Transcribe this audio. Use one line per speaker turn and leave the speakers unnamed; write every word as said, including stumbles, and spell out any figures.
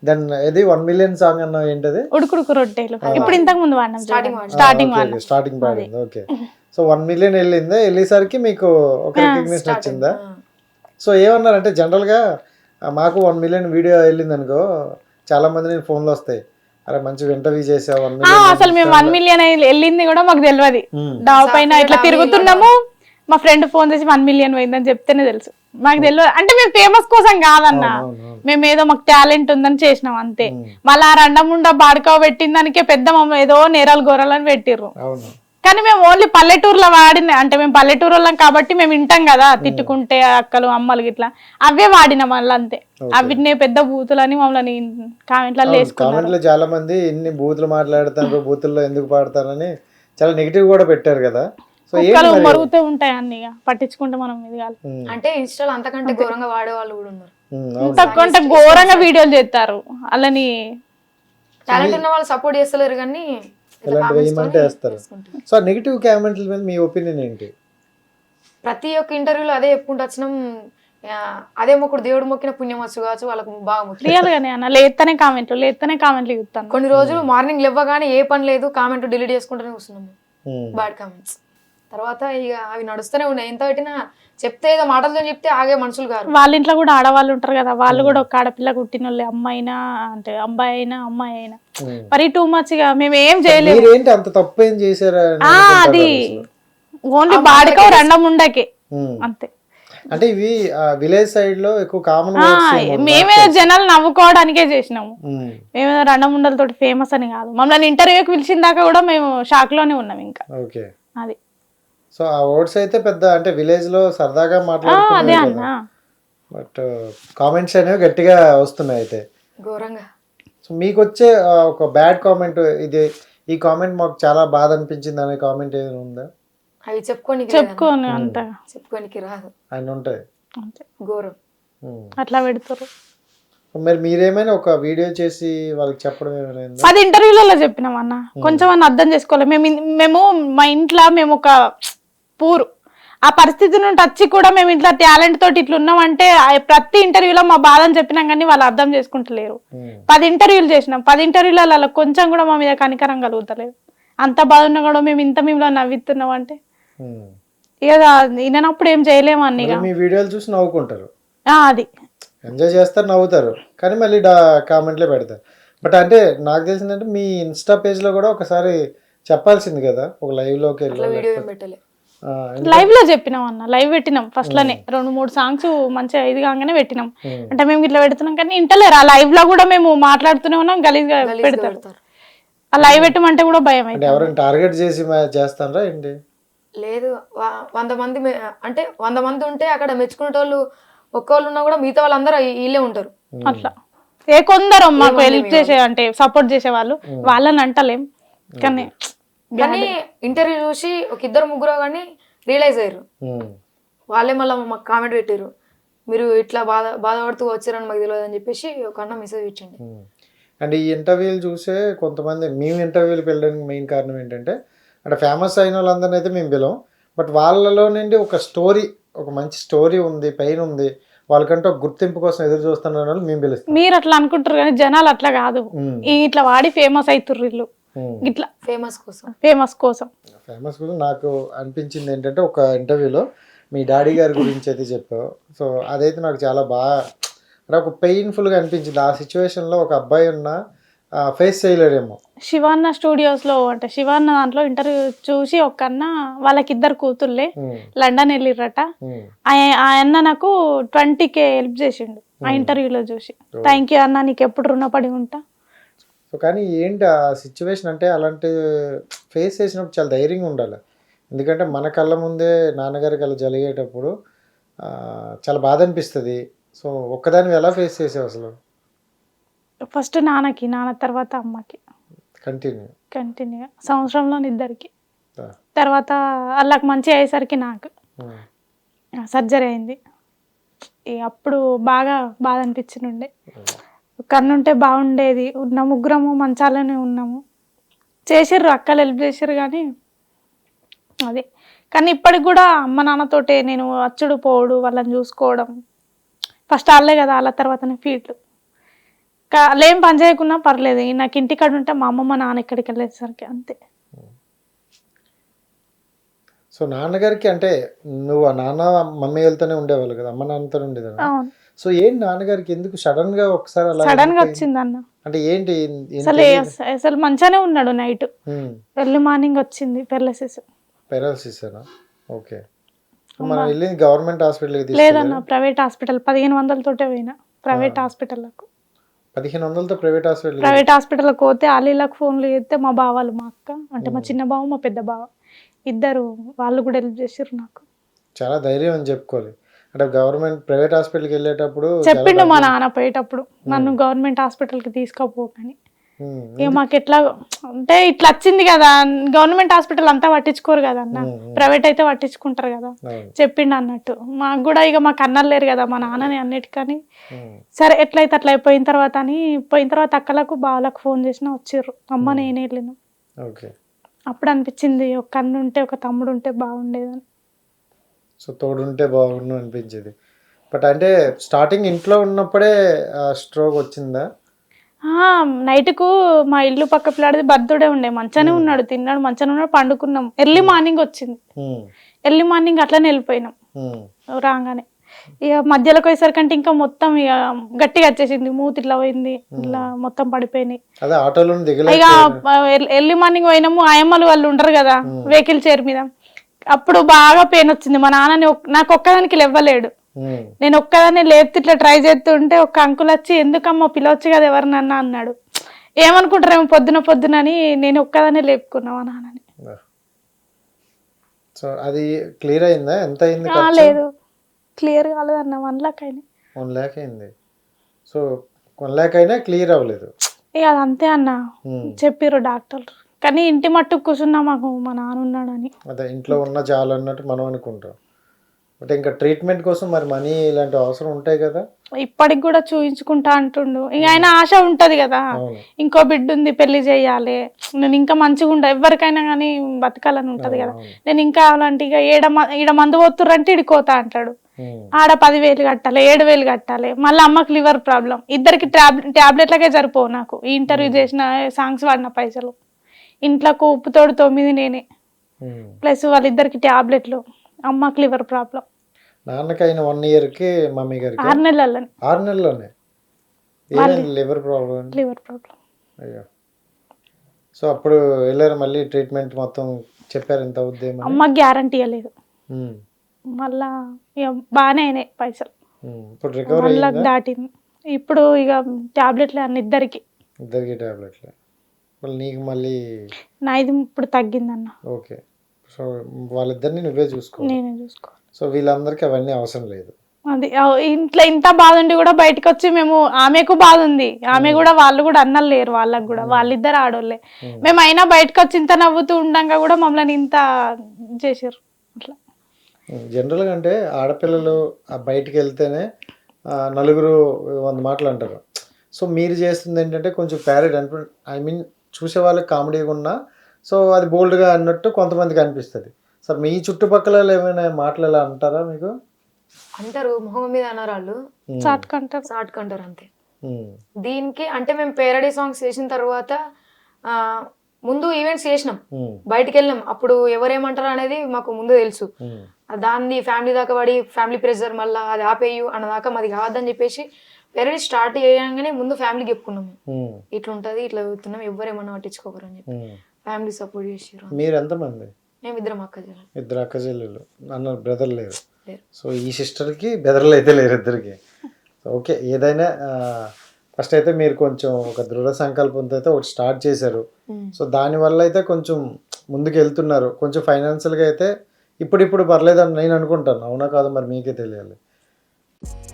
Then ఇది one million song అన్న ఏంటది?
ఉడుకుడుకు రొట్టెలు. ఇప్పుడు ఇంతకు ముందు వాడినాం స్టార్టింగ్ వాడినాం.
స్టార్టింగ్ పాడింది. ఓకే. సో వన్ మిలియన్ వెళ్ళిందా? వెళ్ళేసరికి మీకు ఒక రికగ్నిషన్ వచ్చిందా? సో ఏమన్నారంటే జనరల్గా మాకు వన్ మిలియన్ వీడియో వెళ్ళింది అనుకో చాలా మంది నేను ఫోన్లో వస్తాయి, అరే మంచి ఇంటర్వ్యూ చేసావు వన్ మిలియన్.
అసలు మేము వన్ మిలియన్ వెళ్ళింది కూడా మాకు తెలియదు. డాబా పైన ఇట్లా తిరుగుతున్నాము, మా ఫ్రెండ్ ఫోన్ చేసి వన్ మిలియన్ పోయిందని చెప్తేనే తెలుసు. మాకు తెలియదు అంటే మేము ఫేమస్ కోసం కాదన్న, మేము ఏదో మాకు టాలెంట్ ఉందని చేసినాం అంతే. మళ్ళీ ఆ రండముండ బాడుకో పెట్టిన దానికే పెద్ద మమ్మ ఏదో నేరాలు గొర్రెలని పెట్టిర్రు. కానీ మేము ఓన్లీ పల్లెటూరులో వాడిన, అంటే మేము పల్లెటూరు వాళ్ళం కాబట్టి మేము వింటాం కదా తిట్టుకుంటే అక్కలు అమ్మలు గిట్లా, అవే వాడినాం మళ్ళీ అంతే. అవిటినే పెద్ద బూతులని మమ్మల్ని కామెంట్లలో
వేసుకున్నారు. చాలా మంది ఇన్ని బూతులు మాట్లాడుతారు, బూతుల్లో ఎందుకు పాడతారని చాలా నెగిటివ్ కూడా పెట్టారు కదా.
మరుగుతూ ఉంటాయి అన్ని, పట్టించుకుంటే మనం ఇది కాదు.
అంటే ఇన్స్టాల్ అంతకంటే ఘోరంగా వాడే వాళ్ళు కూడా ఉన్నారు,
అంతకంటే ఘోరంగా వీడియోలు చేస్తారు. అలాని
టాలెంట్ ఉన్న వాళ్ళు సపోర్ట్ చేస్తలేరు కానీ
సో నెగిటివ్ కామెంట్ల మీద మీ ఒపీనియన్ ఏంటి?
ప్రతి ఒక్క ఇంటర్వ్యూలో అదే చెప్పుకుంటూ వచ్చినాం, అదే మొక్కుడు దేవుడు మొక్కిన పుణ్యం వచ్చు కావచ్చు వాళ్ళకు బాగా ముఖ్యం.
రియల్ గానే అన్న, లేతనే కామెంట్లు లేతనే కామెంట్లు ఇస్తాను.
కొన్ని రోజులు మార్నింగ్ లేవగానే ఏ పని లేదు కామెంట్ డిలీట్ చేసుకుంటూనే కూర్చున్నాము, బ్యాడ్ కామెంట్స్. తర్వాత ఇక అవి నడుస్తూనే ఉన్నాయి, ఎంత పెట్టినా చెప్తే ఏదో మాటలతో చెప్తే ఆగే మనుషులు కాదు.
వాళ్ళ ఇంట్లో కూడా ఆడవాళ్ళు ఉంటారు కదా, వాళ్ళు కూడా ఒక ఆడపిల్ల కుట్టిన వాళ్ళు, అమ్మాయి అయినా అంటే అబ్బాయి అయినా అమ్మాయి అయినా మరి టూ మచ్ గా మేము ఏం చేయలేదు.
అంత తప్పు ఏం చేశారా?
అది ఓన్లీ బాడకో రెండం ఉండకే అంతే.
అంటే ఇవి విలేజ్ సైడ్ లో ఎక్కువ కామన్.
మేమేదో జనాలు నవ్వుకోవడానికే చేసినాము, మేమేదో రెండం ఉండలతో ఫేమస్ అని కాదు. మమ్మల్ని ఇంటర్వ్యూకి పిలిచిన దాకా కూడా మేము షాక్ లోనే ఉన్నాం ఇంకా.
ఓకే.
అది
సో ఆ వర్డ్స్ అయితే పెద్ద అంటే విలేజ్ లో సరదాగా మాట్లాడుతున్నారు, బట్ కామెంట్స్ అనేవి గట్టిగా వస్తున్నాయి అయితే
ఘోరంగా.
సో మీకు వచ్చే ఒక బ్యాడ్ కామెంట్, ఇది ఈ కామెంట్ మాకు చాలా బాధ అనిపించింది అనే కామెంట్ ఏదైనా ఉందా?
అవి చెప్పుకోని
చెప్పుకోని అంత
చెప్పుకోనికి రాదు,
ఆయన ఉంటాయి
ఘోరం
అట్లా పెడతారు.
మరి మీరేమైనా ఒక వీడియో చేసి వాళ్ళకి చెప్పడం ఏమైనా?
అది ఇంటర్వ్యూలలో చెప్పినాం అన్న, కొంచెం అన్న అర్థం చేసుకోవాలి. మేము మేము మా ఇంట్లో మేము ఒక పూరు ఆ పరిస్థితి నుండి వచ్చి కూడా మేము ఇంట్లో టాలెంట్ తోటి ఇట్లా ఉన్నామంటే ప్రతి ఇంటర్వ్యూలో మా బాధని చెప్పినాం కానీ వాళ్ళు అర్థం చేసుకుంటలేరు. పది ఇంటర్వ్యూలు చేసినాం, పది ఇంటర్వ్యూలలో కొంచెం కూడా మా మీద కనికరం కలుగుతలేదు. అంత బాధ ఉన్నా కూడా మేము ఇంత మేము నవ్వుతున్నాం అంటే ఇక వినప్పుడు ఏం చేయలేము అన్ని.
మీ వీడియోలు చూసి నవ్వుకుంటారు,
అది
ఎంజాయ్ చేస్తారు, నవ్వుతారు, కానీ మళ్ళీ కామెంట్లే పెడతారు. బట్ అంటే నాకు తెలిసిందంటే మీ ఇన్స్టా పేజ్ లో కూడా ఒకసారి చెప్పాల్సింది కదా, ఒక లైవ్ లోకి వెళ్ళి.
లైవ్ లో చెప్పినాం అన్న, లైవ్ పెట్టినాం ఫస్ట్ లోనే రెండు మూడు సాంగ్స్ మంచిగా ఇది కాగానే పెట్టినాం. అంటే మేము ఇట్లా పెడుతున్నాం కానీ ఇంటలేరు. ఆ లైవ్ లో కూడా మేము మాట్లాడుతూనే ఉన్నాం, గలీజ్ గా పెడతారు. ఆ లైవ్ పెట్టమంటే కూడా భయం అయితే.
ఎవరైనా టార్గెట్ చేసి చేస్తారా ఏంటి?
లేదు, వంద మంది అంటే వంద మంది ఉంటే అక్కడ మెచ్చుకునేటోళ్ళు ఒక్కళ్ళు ఉన్నా కూడా మిగతా వాళ్ళందరూ వీళ్ళే ఉంటారు.
అట్లా ఏ కొందరు మాకు హెల్ప్ చేసే అంటే సపోర్ట్ చేసే వాళ్ళు, వాళ్ళని అంటలేం కానీ
కానీ ఇంటర్వ్యూ చూసి ఒక ఇద్దరు ముగ్గురు కానీ రియలైజ్ అయ్యారు, వాళ్ళే మళ్ళీ మాకు కామెంట్ పెట్టారు, మీరు ఇట్లా బాధ బాధపడుతూ వచ్చారని మాకు తెలియదు అని చెప్పేసి ఒక అన్న మెసేజ్ ఇచ్చండి.
అంటే ఈ ఇంటర్వ్యూలు చూసే కొంతమంది మేము ఇంటర్వ్యూలకు వెళ్ళడానికి మెయిన్ కారణం ఏంటంటే అంటే ఫేమస్ అయిన వాళ్ళందరినీ అయితే మేము పిలవం, బట్ వాళ్ళలో నుండి ఒక స్టోరీ, ఒక మంచి స్టోరీ ఉంది, పైన ఉంది, వాళ్ళకంటే ఒక గుర్తింపు కోసం ఎదురు చూస్తున్న వాళ్ళు మేము పిలుస్తాం.
మీరు అట్లా అనుకుంటారు కానీ జనాలు అట్లా కాదు, ఇట్లా వాడి ఫేమస్ అవుతుర్రు వీళ్ళు ఇట్లా
ఫేమస్ కోసం
ఫేమస్ కోసం
ఫేమస్ కోసం. నాకు అనిపించింది ఏంటంటే ఒక ఇంటర్వ్యూలో మీ డాడీ గారి గురించి అయితే చెప్పావు, సో అదైతే నాకు చాలా బాగా అంటే ఒక పెయిన్ఫుల్గా అనిపించింది. ఆ సిచ్యువేషన్లో ఒక అబ్బాయి ఉన్న ఫేస్ చేయలేడేమో.
శివాన్న స్టూడియోస్ లో అంటే శివాన్న దాంట్లో ఇంటర్వ్యూ చూసి ఒక అన్న, వాళ్ళకి ఇద్దరు కూతుర్లే లండన్ వెళ్ళిర్రట, ఆ అన్న నాకు ట్వంటీ కే హెల్ప్ చేసిండు ఆ ఇంటర్వ్యూలో చూసి. థ్యాంక్ యూ అన్న, నీకు ఎప్పుడు రుణపడి ఉంటా.
సో కానీ ఏంటి ఆ సిచ్యువేషన్ అంటే అలాంటి ఫేస్ చేసినప్పుడు చాలా ధైర్యంగా ఉండాలి, ఎందుకంటే మన కళ్ళ ముందే నాన్నగారికి అలా జరిగేటప్పుడు చాలా బాధ అనిపిస్తుంది. సో ఒక్కదాన్ని ఎలా ఫేస్ చేసావు అసలు?
ఫస్ట్ నాన్నకి, నాన్న తర్వాత అమ్మకి,
కంటిన్యూ
కంటిన్యూగా సంవత్సరంలో ఇద్దరికి. తర్వాత వాళ్ళకి మంచి అయ్యేసరికి నాకు సర్జరీ అయింది. అప్పుడు బాగా బాధ అనిపించిండే, కన్నుంటే బాగుండేది. ఉన్న ముగ్గురము మంచాలనే ఉన్నాము, చేసిర్రు అక్కలు హెల్ప్ చేసిర్రు కానీ అదే. కానీ ఇప్పటికి కూడా అమ్మ నాన్నతోటే నేను అచ్చుడు పోవడు, వాళ్ళని చూసుకోవడం. ఫస్ట్ వాళ్ళే కదా, వాళ్ళ తర్వాతనే ఫీట్లు. ఏం పని చేయకున్నా పర్లేదు, నాకు ఇంటికాడ ఉంటే మా అమ్మ మా నాన్న ఎక్కడికి వెళ్ళేసరికి అంతే.
సో నాన్నగారికి అంటే నువ్వు ఆ నాన్న మమ్మీ వెళ్తూనే ఉండేవాళ్ళు కదా, అమ్మ నాన్నతో ఉండేదా?
అవును.
సో ఏంటి నాన్నగారికి ఎందుకు సడన్ గా ఒకసారి అలా
సడన్ గా వచ్చింది అన్న.
అంటే ఏంటి
అసలు అసలు మంచిగానే ఉన్నాడు, నైట్ ఎర్లీ మార్నింగ్ వచ్చింది పెరాలసిస్.
Paralysis okay. మనం వెళ్ళింది గవర్నమెంట్ హాస్పిటల్?
లేదన్న, ప్రైవేట్ హాస్పిటల్. పదిహేను వందలతోటే పోయినా ప్రైవేట్ హాస్పిటల్లకు.
పదిహేను వందలతో ప్రైవేట్ హాస్పిటల్?
ప్రైవేట్ హాస్పిటల్కి పోతే ఆలీలకు ఫోన్లు చేస్తే మా బావాలు, మా అక్క అంటే మా చిన్న బావ మా పెద్ద బావ ఇద్దరు, వాళ్ళు కూడా హెల్ప్ చేసారు నాకు.
చాలా ధైర్యం అని చెప్పుకోవాలి. అంటే గవర్నమెంట్ ప్రైవేట్ హాస్పిటల్కి వెళ్ళేటప్పుడు
చెప్పిండు మా నాన్న పోయేటప్పుడు, నన్ను గవర్నమెంట్ హాస్పిటల్కి తీసుకుపోకని. ఇక మాకు ఎట్లా అంటే ఇట్లా వచ్చింది కదా, గవర్నమెంట్ హాస్పిటల్ అంతా పట్టించుకోరు కదా అన్న, ప్రైవేట్ అయితే పట్టించుకుంటారు కదా. చెప్పిండు అన్నట్టు మాకు కూడా, ఇక మాకు అన్నలు లేరు కదా మా నాన్నని అన్నిటికని. సరే ఎట్లయితే అట్లా అయిపోయిన తర్వాత అని, పోయిన తర్వాత అక్కలకు బావలకు ఫోన్ చేసినా వచ్చిర్రు, అమ్మ నేనే వెళ్ళిన. అప్పుడు అనిపించింది ఒక అన్న ఉంటే ఒక తమ్ముడు ఉంటే బాగుండేదని.
సో తోడుంటే బాగుండు అనిపించేది. బట్ అంటే స్టార్టింగ్ ఇంట్లో ఉన్నప్పుడే స్ట్రోక్ వచ్చిందా?
నైట్కు మా ఇల్లు పక్క పిల్లాడిది బర్త్డే ఉండే, మంచిగానే ఉన్నాడు, తిన్నాడు, మంచిగానే ఉన్నాడు, పండుకున్నాం. ఎర్లీ మార్నింగ్ వచ్చింది, ఎర్లీ మార్నింగ్ అట్లనే వెళ్ళిపోయినాం. రాగానే ఇక మధ్యలోకి పోయేసరికంటే ఇంకా మొత్తం ఇక గట్టిగా వచ్చేసింది, మూతి ఇట్లా పోయింది, ఇట్లా మొత్తం పడిపోయినాయి. ఇక ఎర్లీ మార్నింగ్ పోయినాము, ఆయమ్మలు వాళ్ళు ఉండరు కదా వెహికల్ చైర్ మీద, అప్పుడు బాగా పెయిన్ వచ్చింది. మా నాన్నని నాకు ఒక్కదానికి లేవ్వలేడు, నేను ఒక్కదాన్ని లేపితే ఇట్లా ట్రై చేస్తుంటే ఒక అంకుల్ వచ్చి ఎందుకమ్మా పిలవచ్చు కదా ఎవరినన్నా అన్నాడు. ఏమనుకుంటారేమో పొద్దున పొద్దునని నేను ఒక్కదాన్ని లేపుకున్నా మా నాన్నని.
సో అది క్లియర్ అయిందా? ఎంత అయింది?
లేదు, క్లియర్ కాలేదన్న, వన్ లాక్ అయింది.
వన్ లాక్ అయింది. సో వన్ లాక్ అయినా క్లియర్ అవ్వలేదు.
ఇక అదంతే అన్న చెప్పిర్రు డాక్టర్. కానీ ఇంటి మట్టు కూర్చున్నా మాకు మా నాన్న ఉన్నాడని.
అదే ఇంట్లో ఉన్న చాలు అన్నట్టు మనం అనుకుంటాం. బట్ ఇంకా ట్రీట్మెంట్ కోసం మరి మనీ ఇలాంటి అవసరం ఉంటాయి కదా.
ఇప్పటికి కూడా చూయించుకుంటా అంటుండు. ఇక ఆయన ఆశ ఉంటది కదా, ఇంకో బిడ్డ ఉంది పెళ్లి చేయాలి, నేను ఇంకా మంచిగా ఉండ ఎవరికైనా కానీ బతకాలని ఉంటది కదా. నేను ఇంకా అలాంటి ఇక ఏడ ఈడ మందు పోతుర్రంటే ఇడికోతా అంటాడు. ఆడ పదివేలు కట్టాలి, ఏడు వేలు కట్టాలి, మళ్ళీ అమ్మకి లివర్ ప్రాబ్లం, ఇద్దరికి ట్యాబ్లెట్లకే సరిపోవు నాకు. ఈ ఇంటర్వ్యూ చేసిన సాంగ్స్ వాడిన పైసలు, ఇంట్లోకి ఉప్పుతోడు తొమ్మిది నేనే, ప్లస్ వాళ్ళిద్దరికి ట్యాబ్లెట్లు, అమ్మకి లివర్ ప్రాబ్లం.
నాన్నకైన వన్ ఇయర్ కి మమ్మీ గారికి
ఆరు నెలల్లోనే.
ఆరు నెలల్లోనే లివర్ ప్రాబ్లం.
Liver problem.
అయ్యో. సో అప్పుడు వెళ్ళారు మళ్ళీ ట్రీట్మెంట్ మొత్తం చెప్పారు ఎంత అవుద్ది?
అమ్మకి గ్యారంటీ ఇవ్వలేదు, మళ్ళా ఇక బాగానే అయినాయి పైసలు.
ఇప్పుడు రికవరీ
దాటింది. ఇప్పుడు ఇక టాబ్లెట్లే అన్న ఇద్దరికి.
ఇద్దరికి టాబ్లెట్లే. మళ్ళీ నీకు మళ్ళీ
నాది ఇప్పుడు తగ్గిందన్న.
ఓకే. సో వాళ్ళిద్దరిని నువ్వే చూసుకో.
నేనే చూసుకో.
సో వీళ్ళందరికీ అవన్నీ అవసరం లేదు.
అది ఇంట్లో ఇంత బాధ ఉండి కూడా బయటకు వచ్చి మేము, ఆమెకు బాధ ఉంది, ఆమె కూడా వాళ్ళు కూడా అన్నలు లేరు వాళ్ళకు కూడా, వాళ్ళిద్దరు ఆడోళ్ళే. మేము అయినా బయటకు వచ్చి ఇంత నవ్వుతూ ఉండగా కూడా మమ్మల్ని ఇంత చేసారు. అట్లా
జనరల్గా అంటే ఆడపిల్లలు బయటికి వెళ్తేనే నలుగురు వంద మాటలు అంటారు. సో మీరు చేస్తుంది ఏంటంటే కొంచెం ప్యారెడ్ అనిపి ఐ మీన్ చూసే వాళ్ళకి కామెడీగా ఉన్నా సో అది బోల్డ్గా అన్నట్టు కొంతమందికి అనిపిస్తుంది. సార్ మీ చుట్టుపక్కల ఏమైనా మాటలు ఎలా అంటారా మీకు?
అంటారు, మొహం మీద అన్నారు వాళ్ళు,
చాటుకుంటారు
చాటుకుంటారు అంతే. దీనికి అంటే మేము పేరడీ సాంగ్స్ చేసిన తర్వాత ఆ ముందు ఈవెంట్స్ చేసినాం, బయటికి వెళ్ళినాం, అప్పుడు ఎవరేమంటారు అనేది మాకు ముందు తెలుసు. దాన్ని ఫ్యామిలీ దాకా పడి ఫ్యామిలీ ప్రెషర్ మళ్ళీ అది ఆపేయు అన్నదాకా మాది కావద్దని చెప్పేసి పేరడీ స్టార్ట్ చేయగానే ముందు ఫ్యామిలీకి చెప్పుకున్నాము, ఇట్లా ఉంటుంది ఇట్లా చదువుతున్నాం, ఎవరేమన్నా పట్టించుకోకరు అని చెప్పి ఫ్యామిలీ సపోర్ట్ చేసారు.
మీరు ఎంతమంది?
మేము ఇద్దరం అక్క చెల్లెలు.
ఇద్దరు అక్క చెల్లెలు, అన్న బ్రదర్ లేరు. సో ఈ సిస్టర్కి బ్రదర్లు అయితే లేరు ఇద్దరికి. ఓకే, ఏదైనా ఫస్ట్ అయితే మీరు కొంచెం ఒక దృఢ సంకల్పంతో అయితే ఒకటి స్టార్ట్ చేశారు. సో దానివల్ల అయితే కొంచెం ముందుకు వెళ్తున్నారు. కొంచెం ఫైనాన్షియల్గా అయితే ఇప్పుడిప్పుడు పర్లేదని నేను అనుకుంటాను. అవునా కాదు మరి మీకే తెలియాలి.